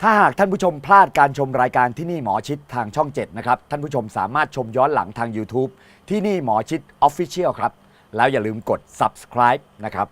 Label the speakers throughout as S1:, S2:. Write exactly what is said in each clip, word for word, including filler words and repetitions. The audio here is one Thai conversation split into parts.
S1: ถ้าหากท่านผู้ชมพลาดการชมรายการที่นี่หมอชิดทางช่องเจ็ดนะครับท่านผู้ชมสามารถชมย้อนหลังทาง YouTube ที่นี่หมอชิด Official ครับแล้วอย่าลืมกด Subscribe นะครับ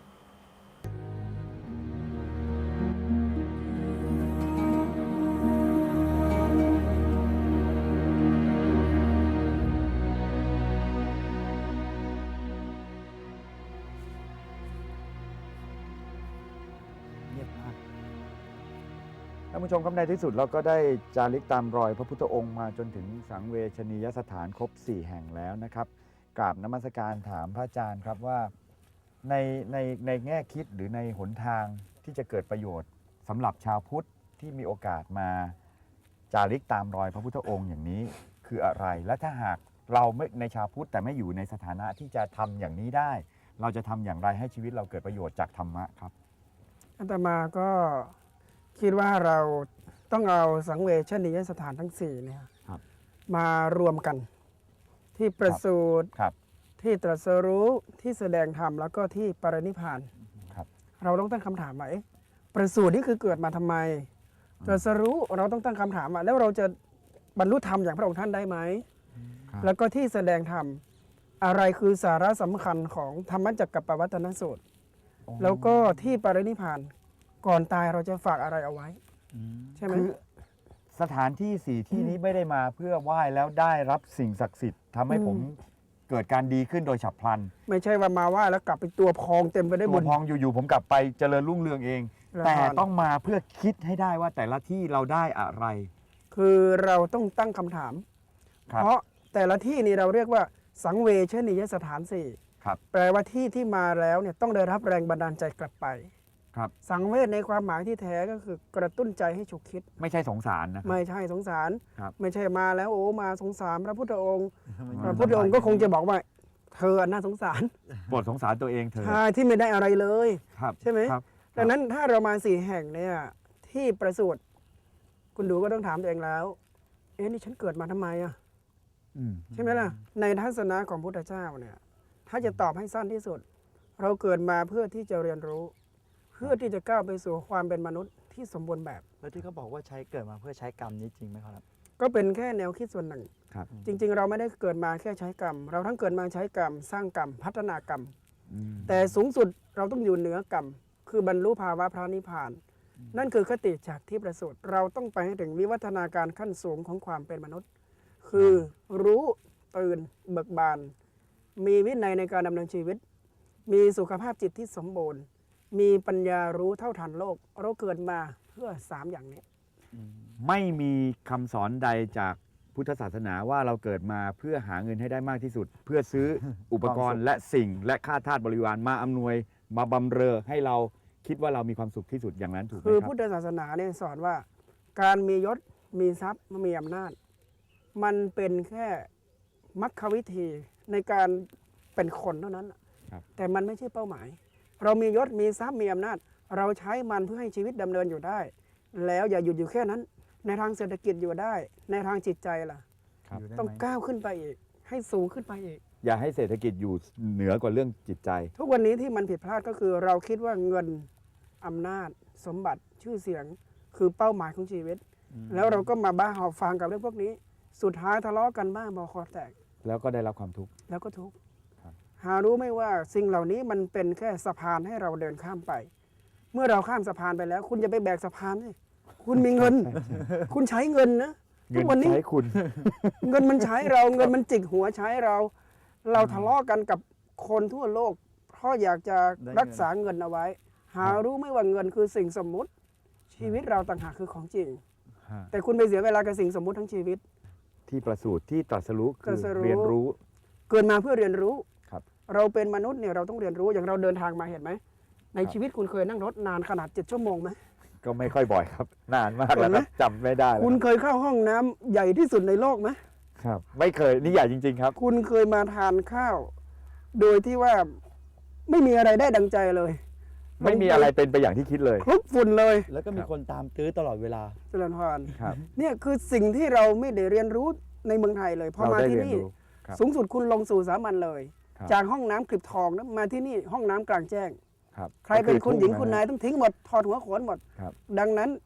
S1: ท่านผู้ชมครับในที่สุดเราก็ได้จาริกตามรอยพระพุทธองค์มาจนถึงสังเวชนียสถานครบสี่แห่งแล้วนะครับกราบนมัสการถามพระอาจารย์ครับว่าในในในแง่คิดหรือในหนทางที่จะเกิดประโยชน์สำหรับชาวพุทธที่มีโอกาสมาจาริกตามรอยพระพุทธองค์อย่างนี้คืออะไรและถ้าหากเราไม่ในชาวพุทธแต่ไม่อยู่ในสถานะที่จะทำอย่างนี้ได้เราจะทำอย่างไรให้ชีวิตเราเกิดประโยชน์จากธรรมะครับ
S2: อาตมาก็คิดว่าเราต้องเอาสังเวชนียสถานทั้งสี่เนี่ย
S1: ครับ
S2: มารวมกันที่ประสูติ
S1: ครับ
S2: ที่ตรัสรู้ที่แสดงธรรมแล้วก็ที่ปรินิพพาน
S1: ครับ
S2: เราต้องตั้งคำถามว่าเอ๊ะประสูตินี่คือเกิดมาทำไมตรัสรู้เราต้องตั้งคำถามว่าแล้วเราจะบรรลุธรรมอย่างพระองค์ท่านได้ไหม
S1: ครับ
S2: แล้วก็ที่แสดงธรรมอะไรคือสาระสำคัญของธรรมจักรปวัตนสูตร แล้วก็ที่ปรินิพพานก่อนตายเราจะฝากอะไรเอาไว้ ใช่ไหม
S1: คือสถานที่สี่ที่นี้ไม่ได้มาเพื่อไหว้แล้วได้รับสิ่งศักดิ์สิทธิ์ทำให้ผมเกิดการดีขึ้นโดยฉับพลัน
S2: ไม่ใช่ว่ามาไหว่าแล้วกลับไปตัวพองเต็มไปด้วย
S1: ตั
S2: บุ
S1: ว
S2: ญ
S1: พองอยู่ๆผมกลับไปเจริญรุ่งเรืองเอง
S2: แล้ว
S1: แต่ต้องมาเพื่อคิดให้ได้ว่าแต่ละที่เราได้อะไร
S2: คือเราต้องตั้งคำถาม
S1: ครับ
S2: เพราะแต่ละที่นี่เราเรียกว่าสังเวชนียสถานสี่
S1: ครับ
S2: แปลว่าที่ที่มาแล้วเนี่ยต้องได้รับแรงบันดาลใจกลับไป
S1: ครับ
S2: สังเวชในความหมายที่แท้ก็คือกระตุ้นใจให้ฉุกคิด
S1: ไม่ใช่สงสารนะครับ
S2: ไม่ใช่สงสาร
S1: ครับ
S2: ไม่ใช่มาแล้วโอ้มาสงสารพระพุทธองค์
S1: ไม่
S2: พระพุทธองค์ก็คงจะบอกว่าเธอน่าสงสาร
S1: โปรดสงสารตัวเองเถอะ
S2: ใช่ที่ไม่ได้อะไรเลย
S1: ครับ
S2: ใช่ไหม
S1: ครับ
S2: ดังนั้นถ้าเรามาสี่แห่งเนี่ยที่ประสูติคุณดูก็ต้องถามตัวเองแล้ว เอ๊ะนี่ฉันเกิดมาทำไมอ่ะ
S1: อืม
S2: ใช่ไหมล่ะในทัศนะของพุทธเจ้าเนี่ยถ้าจะตอบให้สั้นที่สุด เราเกิดมาเพื่อที่จะเรียนรู้ เพื่อที่จะก้าวไปสู่ความเป็นมนุษย์ที่สมบูรณ์แบบ
S3: แล้วที่เขาบอกว่าใช้เกิดมาเพื่อใช้กรรมนี้จริงไหมครับ
S2: ก็เป็นแค่แนวคิดส่วนหนึ่ง
S1: ครับ
S2: จริง ๆ เราไม่ได้เกิดมาแค่ใช้กรรม เราทั้งเกิดมาใช้กรรม สร้างกรรม พัฒนากรรม
S1: อืม
S2: แต่สูงสุดเราต้องอยู่เหนือกรรม คือบรรลุภาวะพระนิพพาน นั่นคือคติจากที่ประสูติเราต้องไปให้ถึงวิวัฒนาการขั้นสูงของความเป็นมนุษย์ คือรู้ตื่นเบิกบาน มีวินัยในการดำเนินชีวิต มีสุขภาพจิตที่สมบูรณ์ มีปัญญารู้เท่าทันโลก เราเกิดมาเพื่อสามอย่างนี้
S1: ไม่มีคำสอนใดจากพุทธศาสนาว่าเราเกิดมาเพื่อหาเงินให้ได้มากที่สุด เพื่อซื้อ อุปกรณ์และสิ่งและค่าทาสบริวารมาอำนวยมาบำเรอให้เราคิดว่าเรามีความสุขที่สุดอย่างนั้นถูกไหม
S2: คือ
S1: ครั
S2: พุท
S1: บ
S2: ธศาสนาเนี่ยสอนว่า การมียศมีทรัพย์มีอำนาจ มันเป็นแค่มรรควิธีในการเป็นคนเท่านั้น
S1: ครับ
S2: แต่มันไม่ใช่เป้าหมาย เรามียศมีทรัพย์มีอำนาจ เราใช้มันเพื่อให้ชีวิตดำเนินอยู่ได้ แล้วอย่าหยุดอยู่แค่นั้น ในทางเศรษฐกิจอยู่ได้ ในทางจิตใจล่ะ
S1: ครับ
S3: อยู่ได้
S2: ต้อง
S3: ไหม
S2: ก้าวขึ้นไปอีก ให้สูงขึ้นไปอีก
S1: อย่าให้เศรษฐกิจอยู่เหนือกว่าเรื่องจิตใจ
S2: ทุกวันนี้ที่มันผิดพลาดก็คือเราคิดว่าเงินอำนาจ สมบัติชื่อเสียงคือเป้าหมายของชีวิต แล้วเราก็มาบ้าหอบฟังกับเรื่องพวกนี้ สุดท้ายทะเลาะกันบ้างบอคอแตก
S1: แล้วก็ได้รับความทุกข์
S2: แล้วก็ทุกข์
S1: ครับ
S2: หารู้ไหมว่าสิ่งเหล่านี้มันเป็นแค่สะพานให้เราเดินข้ามไป เมื่อเราข้ามสะพานไปแล้ว คุณจะไปแบกสะพานสิคุณมีเงิน คุณใช้เงินนะ
S1: เงิ
S2: ทุ
S1: น
S2: กวันนี้
S1: ใช้คุณ
S2: เงินมันใช้เราเงินมันจิกหัวใช้เรา เราทะเลาะกันกับคนทั่วโลก เพราะอยากจะ
S3: ได้เงิน
S2: รักษาเงินเอาไว้ หารู้ไหมว่าเงินคือสิ่งสมมุติ ชีวิตเราต่างหากคือของจริง แต่คุณไปเสียเวลากับสิ่งสมมุติทั้งชีวิต
S1: ที่ประสูติที่ตรัสรู้
S2: ต
S1: คื
S2: รั
S1: อ
S2: สรู้
S1: เรียนรู้
S2: เกิดมาเพื่อเรียนรู้
S1: ครับ
S2: เราเป็นมนุษย์เนี่ยเราต้องเรียนรู้อย่างเราเดินทางมาเห็นไหมใน
S1: ครับ
S2: ชีวิตคุณเคยนั่งรถนานขนาดเจ็ดชั่วโมงไหม
S1: ก็ไม่ค่อยบ่อยครับ นานมากแล้ว
S2: เห็นไห
S1: ค
S2: ม
S1: รับจำไม่ได้แล้ว
S2: คุณเคยเข้าห้องน้ำใหญ่ที่สุดในโลกไหม
S1: ครับ ไม่เคยนี่ใหญ่จริง ๆ ครับ
S2: คุณเคยมาทานข้าว โดยที่ว่าไม่มีอะไรได้ดังใจเลย
S1: ไม่มีอะไรเป็นไปอย่างที่คิดเลย
S2: คลุกฝุ่นเลย
S3: แล้วก็มีคนตามตื้อตลอดเวลา
S2: เจริญพร
S1: ครับ
S2: เนี่ยคือสิ่งที่เราไม่ได้เรียนรู้ในเมืองไทยเลยพอ
S1: เรา
S2: มา
S1: ได้
S2: ที่
S1: เรียน
S2: นี่
S1: รู้ครับ
S2: สูงสุดคุณลงสู่สามัญเลย
S1: ครับ
S2: จากห้องน้ำคลิบทองนะมาที่นี่ห้องน้ำกลางแจ้ง
S1: ครับ
S2: ใครเป็นคุณหญิง
S1: ก็อ
S2: คุณนายต้องทิ้งหมดถอดหัวโขนหมด
S1: ครับ
S2: ดังนั้นท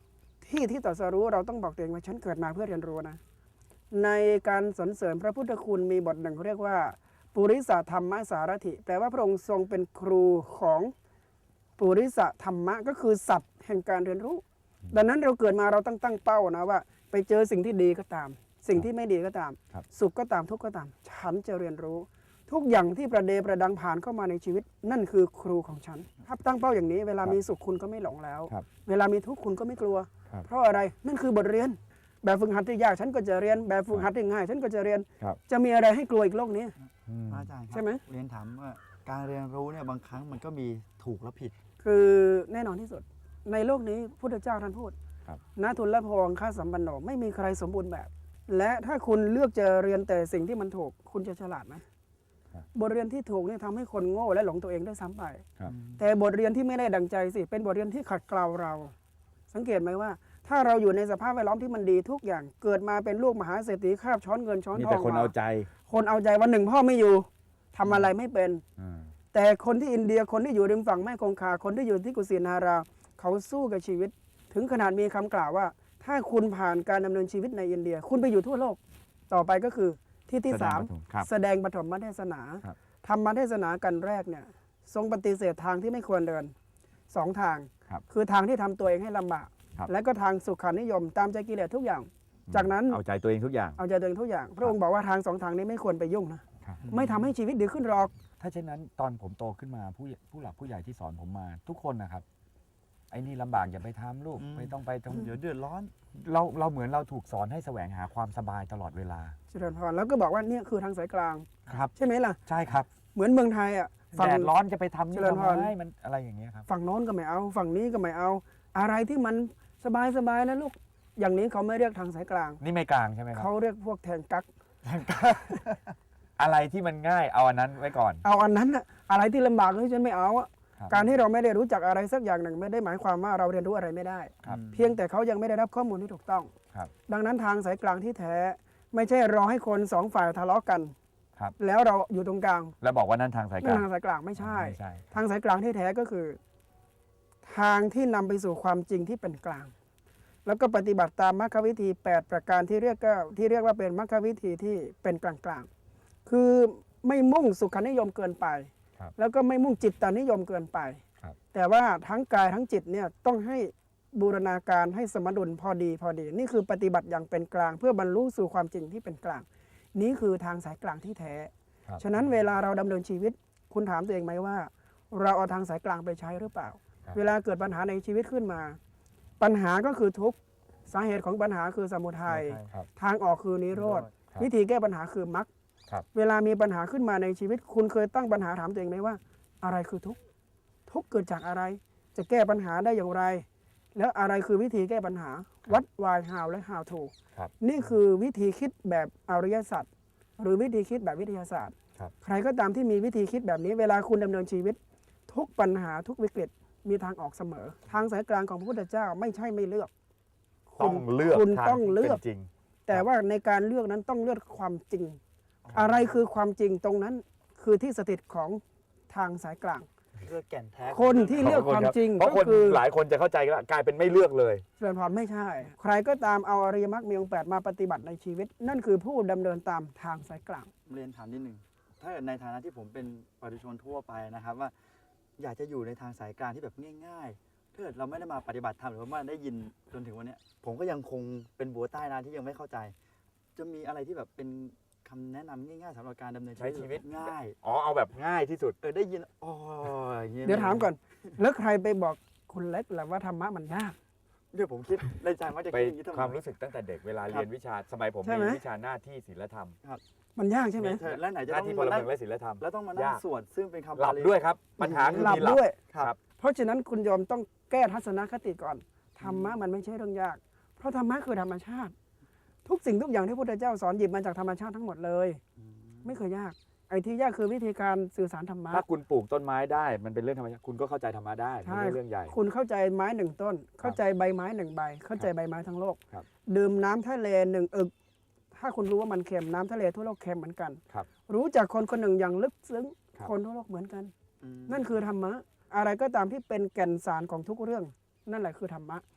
S2: ที่ที่ตรัสรู้เราต้องบอกตัวเองว่าฉันเกิดมาเพื่อเรียนรู้นะในการสรรเสริญพระพุทธคุณมีบทหนึ่งเขาเรียกว่าปุริสธรรมสารถิแปลว่าพระองค์ทรงเป็นครูของปุริสธรรมะก็คือสัตว์แห่งการเรียนรู้ ดังนั้นเราเกิดมาเราต้องตั้งเป้านะว่า ไปเจอสิ่งที่ดีก็ตาม สิ่งที่ไม่ดีก็ตาม
S1: ครับ
S2: สุขก็ตามทุกข์ก็ตาม ฉันจะเรียนรู้ ทุกอย่างที่ประเดประดังผ่านเข้ามาในชีวิต นั่นคือครูของฉันถ้าตั้งเป้าอย่างนี้ เวลามีสุขคุณก็ไม่หลงแล้ว
S1: ครับ
S2: เวลามีทุกข์คุณก็ไม่กลัว
S1: ครับ
S2: เพราะอะไรนั่นคือบทเรียน แบบฝึกหัดที่ยากฉันก็จะเรียนแบบฝึกหัดที่ง่าย ฉันก็จะเรียน
S1: ครับ
S2: จะมีอะไรให้กลัวอีกโลกนี้
S1: อืม
S3: พระอาจารย์ครับ
S2: ใช่ไหม
S3: เรียนถามว่าการเรียนรู้เนี่ยบางครั้งมันก็มีถูกและผิด
S2: คือแน่นอนที่สุด ในโลกนี้พุทธเจ้าท่านพูด
S1: ครับ
S2: นาทุนละพองค่าสัมปันโนไม่มีใครสมบูรณ์แบบ และถ้าคุณเลือกจะเรียนแต่สิ่งที่มันถูก คุณจะฉลาดไหม
S1: ครับ
S2: บทเรียนที่ถูกเนี่ยทำให้คนโง่และหลงตัวเองได้ซ้ำไป
S1: ครับ
S2: แต่บทเรียนที่ไม่ได้ดังใจสิเป็นบทเรียนที่ขัดเกลาเรา สังเกตไหมว่า ถ้าเราอยู่ในสภาพแวดล้อมที่มันดีทุกอย่างเกิดมาเป็นลูกมหาเศรษฐีคาบช้อนเงินช้อน
S1: มี
S2: ท
S1: แต่
S2: อง
S1: คน
S2: มา
S1: เอาใจ
S2: คนเอาใจวันหนึ่งพ่อไม่อยู่ทำอะไรไม่เป็น
S1: อ่า
S2: แต่คนที่อินเดียคนที่อยู่ริมฝั่งแม่คงคาคนที่อยู่ที่กุสินารา เขาสู้กับชีวิต ถึงขนาดมีคำกล่าวว่า ถ้าคุณผ่านการดำเนินชีวิตในอินเดีย คุณไปอยู่ทั่วโลก ต่อไปก็คือที่ที่สาม
S1: แสดงปฐมครับ
S2: แสดงปฐมเทศนา
S1: ครับ
S2: ธรรมเทศนากันแรกเนี่ยทรงปฏิเสธทางที่ไม่ควรเดินสองทาง
S1: ครับ
S2: คือทางที่ทำตัวเองให้ลำบาก
S1: ครับ
S2: และก็ทางสุขานิยมตามใจกิเลสทุกอย่าง จากนั้น
S1: เอาใจตัวเองทุกอย่าง
S2: เอาใจตัวเองทุกอย่าง พระองค์บอกว่าทางสองทางนี้ไม่ควรไปยุ่งนะครับ ไม่ทำให้ชีวิตดีขึ้นหรอก
S1: ถ้าเช่นนั้นตอนผมโตขึ้นมาผู้ผู้หลักผู้ใหญ่ที่สอนผมมา ทุกคนนะครับไอ้นี่ลำบากอย่าไปทำลูก
S3: อืม
S1: ไม่ต้องไปตรง
S3: เดี๋ยวเดือดร้อน
S1: เราเราเหมือนเราถูกสอนให้แสวงหาความสบายตลอดเวลา
S2: เจริญพรแล้วก็บอกว่าเนี่ยคือทางสายกลาง
S1: ครับ
S2: ใช่ไหมล่ะ
S1: ใช่ครับ
S2: เหมือนเมืองไทยอ่ะฝั่ง
S1: แดดร้อนจะไปทำนี่
S2: เจริญ
S1: ทำ
S2: พร
S1: ไมมันอะไรอย่างเงี้ยครับ
S2: ฝั่งโน้นก็ไม่เอา ฝั่งนี้ก็ไม่เอา อะไรที่มันสบายสบายนะลูก อย่างนี้เขาไม่เรียกทางสายกลาง
S1: นี่ไม่กลางใช่ไหมครับ
S2: เขาเรียกพวกแทงกัก
S1: อะไรที่มันง่ายเอาอันนั้นไว้ก่อน
S2: เอาอันนั้นน่ะอะไรที่ลำบากเฮ้ยฉันไม่เอาอะ
S1: ครับ
S2: การที่เราไม่ได้รู้จักอะไรสักอย่างหนึ่งไม่ได้หมายความว่าเราเรียนรู้อะไรไม่ได้
S1: ครับ
S2: เพียงแต่เขายังไม่ได้รับข้อมูลที่ถูกต้อง
S1: ครับ
S2: ดังนั้นทางสายกลางที่แท้ ไม่ใช่รอให้คนสองฝ่ายทะเลาะกัน
S1: ครับ
S2: แล้วเราอยู่ตรงกลาง
S1: แล้วบอกว่านั่นทางสายก
S2: นั่
S1: ลาน ง
S2: ทางสายกลางไม่ใช่
S1: ไม่ใช่
S2: ทางสายกลางที่แท้ก็คือ ทางที่นำไปสู่ความจริงที่เป็นกลาง แล้วก็ปฏิบัติตามมรรควิธี แปด ประการที่เรียกก็ที่เรียกว่าเป็นมรรควิธีที่เป็นกลางๆ คือไม่มุ่งสุขานิยมเกินไป
S1: ครับ
S2: แล้วก็ไม่มุ่งจิตตานิยมเกินไป
S1: ครับ
S2: แต่ว่าทั้งกายทั้งจิตเนี่ยต้องให้บูรณาการให้สมดุลพอดีพอดี นี่คือปฏิบัติอย่างเป็นกลาง เพื่อบรรลุสู่ความจริงที่เป็นกลาง นี่คือทางสายกลางที่แท้
S1: ครับ
S2: ฉะนั้นเวลาเราดำเนินชีวิต คุณถามตัวเองไหมว่า เราเอาทางสายกลางไปใช้หรือเปล่า
S1: ครับ
S2: เวลาเกิดปัญหาในชีวิตขึ้นมา ปัญหาก็คือทุกข์สาเหตุของปัญหาคือสมุทัย
S1: ครับ
S2: ทางออกคือนิโรธ
S1: ครับ
S2: วิธีแก้ปัญหาคือมรรค
S1: ครับ
S2: เวลามีปัญหาขึ้นมาในชีวิต คุณเคยตั้งปัญหาถามตัวเองไหมว่า อะไรคือทุกข์ทุกข์เกิดจากอะไร จะแก้ปัญหาได้อย่างไร แล้วอะไรคือวิธีแก้ปัญหา วัด why how และ how to
S1: ครับ
S2: นี่คือวิธีคิดแบบอริยสัจหรือวิธีคิดแบบวิทยาศาสตร์
S1: ครับ
S2: ใครก็ตามที่มีวิธีคิดแบบนี้ เวลาคุณดำเนินชีวิต ทุกปัญหาทุกวิกฤตมีทางออกเสมอ ทางสายกลางของพระพุทธเจ้าไม่ใช่ไม่เลือก
S1: ต้องเลือก
S2: คุณ
S1: ทาง
S2: ต้อง
S1: ที่
S2: เลือก
S1: ป็นจริง
S2: แต่ว่าในการเลือกนั้นต้องเลือกความจริง อะไรคือความจริงตรงนั้นคือที่สถิตของทางสายกลาง
S3: เลือกแก่นแท้
S2: คนที่เลือกความจริง
S1: เพราะ
S2: ก็
S1: คน
S2: คือ
S1: หลายคนจะเข้าใจว่ากลายเป็นไม่เลือกเลย
S2: เจริญพรไม่ใช่ ใครก็ตามเอาอริยมรรคมีองค์แปดมาปฏิบัติในชีวิต นั่นคือผู้ดำเนินตามทางสายกลาง
S3: เรียนถามนิดนึงถ้าเกิดในฐานะที่ผมเป็นประชาชนทั่วไปนะครับว่า อยากจะอยู่ในทางสายกลางที่แบบง่ายๆถ้าเกิดเราไม่ได้มาปฏิบัติธรรมหรือว่าไม่ได้ยินจนถึงวันเนี้ยผมก็ยังคงเป็นบัวใต้นะที่ยังไม่เข้าใจ จะมีอะไรที่แบบเป็นคำแนะนำง่ายๆสำหรับการดำเนิน
S1: ใช้ชีวิต
S3: ง่าย
S1: อ๋อเอาแบบง่ายที่สุด
S3: เออได้ยินอ๋ออย่างเงี้ย
S2: เดี๋ยวถามก่อน แล้วใครไปบอกคุณเล็กล่ะว่าธรรมะมันยาก
S3: เดี๋ยวผมคิดในใจว่าจะ
S1: ไป
S3: คิดอย่างนี้ทำไม
S1: ความรู้สึกตั้งแต่เด็กเวลา
S3: ครับ
S1: เรียนวิชาสมัยผม
S2: ใช่ไหม
S1: มีวิชาหน้าที่ศีลธรรม
S2: มันยากใช่ไหม
S3: เธอแล้วไหนจะ
S1: หน้า
S3: ต้อง
S1: ที่พ
S3: มา
S1: ล
S3: นั่
S1: เมื
S3: ง
S1: องและศีลธรรม
S3: แล้วต้องมานั่ง
S1: ยาก
S3: สวดซึ่งเป็นคำ
S1: หลับ
S3: าลี
S1: ด้วยครับ ปัญหาคือ
S2: หลับ
S1: มีหลับ
S2: ด้วย
S1: ครับ
S2: เพราะฉะนั้นคุณโยมต้องแก้ทัศนคติก่อน ธรรมะมันไม่ใช่เรื่องยาก เพราะธรรมะคือธรรมชาติ ทุกสิ่งทุกอย่างที่พระพุทธเจ้าสอนหยิบมาจากธรรมชาติทั้งหมดเลย
S3: อืม
S2: ไม่เคยยาก ไอ้ที่ยากคือวิธีการสื่อสารธรรมะ
S1: ถ้าคุณปลูกต้นไม้ได้ มันเป็นเรื่องธรรมชาติคุณก็เข้าใจธรรมะได้ไม่
S2: ใช่
S1: ใช่เรื่องใหญ่
S2: คุณเข้าใจไม้หนึ่งต้น เข้าใจใบไม้หนึ่งใบ เข้าใจใบไม้ทั้งโลก
S1: ครับ
S2: ดื่มน้ำทะเลหนึ่งอึก ถ้าคุณรู้ว่ามันเค็มน้ำทะเลทั่วโลกเค็มเหมือนกัน
S1: ครับ
S2: รู้จักคนคนหนึ่งอย่างลึกซึ้ง
S1: ครับ
S2: คนทั่วโลกเหมือนกัน
S3: อืม
S2: นั่นคือธรรมะ อะไรก็ตามที่เป็นแก่นสารของทุกเรื่อง นั่นแหละคือธรรมะ ฉ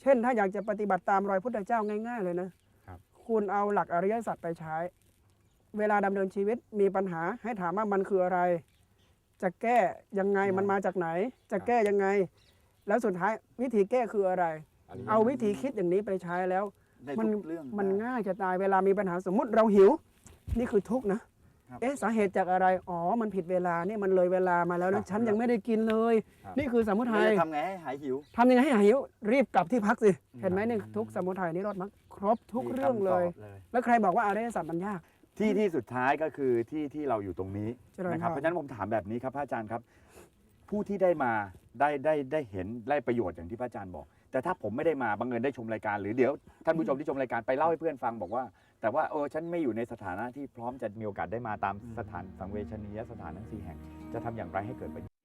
S2: ช่นถ้าอยากจะปฏิบัติตามรอยพุทธเจ้าง่าย ๆ เลยนะครับ คุณเอาหลักอริยสัจไปใช้ เวลาดำเนินชีวิตมีปัญหาให้ถามว่ามันคืออะไร จะแก้ยังไง
S3: อืม
S2: มันมาจากไหน จะ
S1: ครับ
S2: แก้ยังไง แล้วสุดท้ายวิธีแก้คืออะไร
S1: อันนี้
S2: เอาวิธีคิดอย่างนี้ไปใช้แล้ว
S3: ใน
S2: มัน
S3: ทุกเรื่อง
S2: มัน
S3: ได้
S2: ง่ายจะตายเวลามีปัญหาสมมุติเราหิว นี่คือทุกข์นะครับ เอ๊ะสาเหตุจากอะไรอ๋อมันผิดเวลาเนี่ยมันเลยเวลามาแล้ว
S1: ครั
S2: นะ
S1: บ
S2: ฉันยังไม่ได้กินเลย
S1: ครับ
S2: นี่คือสมุทัย
S3: เราจะทำไงให้หายหิว
S2: ทำยังไงให้หายหิวรีบกลับที่พักสิ
S3: อืม
S2: เห็นไหมเนี่ยทุกข์สมุทัยนิโรธมรรคครบทุก
S3: มี
S2: เรื่องเลย
S3: คำตบเลย
S2: แล้วใครบอกว่าอริยสัจมันยาก
S1: ที่ที่สุดท้ายก็คือที่ที่เราอยู่ตรงนี้
S2: เจริญ
S1: นะครับ
S2: พร
S1: เพราะฉะนั้นผมถามแบบนี้ครับพระอาจารย์ครับ ผู้ที่ได้มาได้ได้ได้เห็นได้ประโยชน์อย่างที่พระอาจารย์บอก แต่ถ้าผมไม่ได้มาบังเอิญได้ชมรายการ หรือเดี๋ยวท่านผู้ชมที่ชมรายการไปเล่าให้เพื่อนฟังบอกว่า แต่ว่าเออฉันไม่อยู่ในสถานะที่พร้อมจะมีโอกาสได้มาตามสถานสังเวชนียสถานทั้งสี่แห่งจะทำอย่างไรให้เกิดประโยชน์